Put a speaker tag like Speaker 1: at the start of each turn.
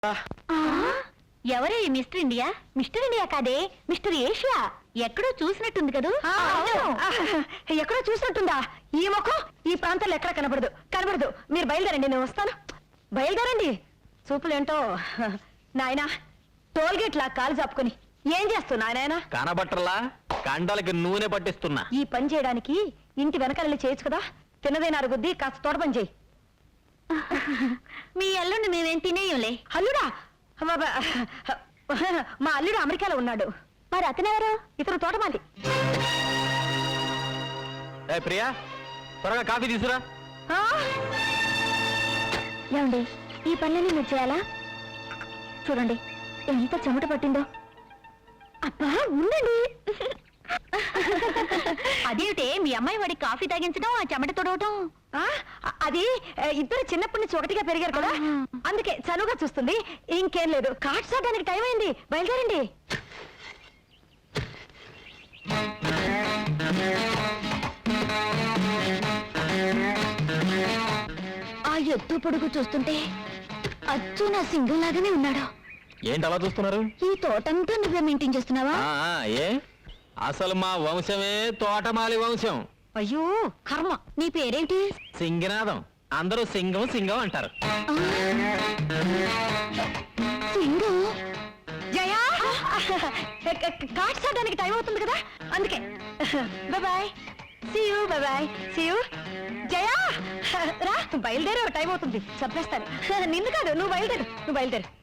Speaker 1: ఎవరే mister India? Mister India కాదే, mister Asia. ఎక్కడో చూసినట్టుంది కదూ?
Speaker 2: ఎక్కడో చూసినట్టుందా? ఈ ముఖం ఈ ప్రాంతంలో ఎక్కడ కనబడదు. కనబడదు. మీరు బయలుదేరండి, నేను వస్తాను. బయలుదేరండి. చూపులేంటో నాయనా, టోల్గేట్ లా కాలు చాపుకొని ఏం చేస్తున్నా నాయనా?
Speaker 3: కనబట్టర్లా, కండలకి నూనె పట్టిస్తున్నా.
Speaker 2: ఈ పని చేయడానికి ఇంటి వెనకాల చేయొచ్చు కదా. తిన్నదైన అరుగుద్ది, కాస్త తోట పని చేయి.
Speaker 1: మీ అల్లుండి మేమేం తినేయంలే.
Speaker 2: అల్లుడా? మా అల్లుడు అమెరికాలో ఉన్నాడు.
Speaker 1: మరి అతనెవరు?
Speaker 2: ఇతను తోటమాలి.
Speaker 3: ఏ ప్రియా, త్వరగా కాఫీ తీసురా.
Speaker 1: ఏమండి, ఈ పనులన్నీ మీరు చేయాలా? చూడండి ఎంత చెమట పట్టిందో. అబ్బా ఉండండి. అదేమిటే మీ అమ్మాయి వాడి కాఫీ తాగించడం, ఆ చెమట తొడవటం?
Speaker 2: అది ఇద్దరు చిన్నప్పటి నుంచి ఒకటిగా పెరిగారు కదా, అందుకే చనువుగా చూస్తుంది. ఇంకేం లేదు. కార్డ్ చూడడానికి టైం అయింది, బయలుదేరండి.
Speaker 1: ఆ ఎత్తు పొడుగు చూస్తుంటే అచ్చు నా సింగల్ లాగానే ఉన్నాడు.
Speaker 3: ఏంటి అలా చూస్తున్నారు?
Speaker 1: ఈ తోటంతా నువ్వే మెయింటైన్ చేస్తున్నావా?
Speaker 3: ఏ అసలు మా వంశమే తోటమాలి వంశం.
Speaker 2: అయ్యో కర్మ.
Speaker 1: నీ పేరేంటి?
Speaker 3: సింగనాదం. అందరూ సింగం సింగం అంటారు.
Speaker 1: సింగు.
Speaker 2: జయా, కార్డ్ చూడడానికి టైం అవుతుంది కదా, అందుకే. Bye. See you. Bye. See you. Jaya రా, బయలుదేరే టైం అవుతుంది. చంపేస్తాను. నిన్ను కాదు, నువ్వు బయలుదేరు.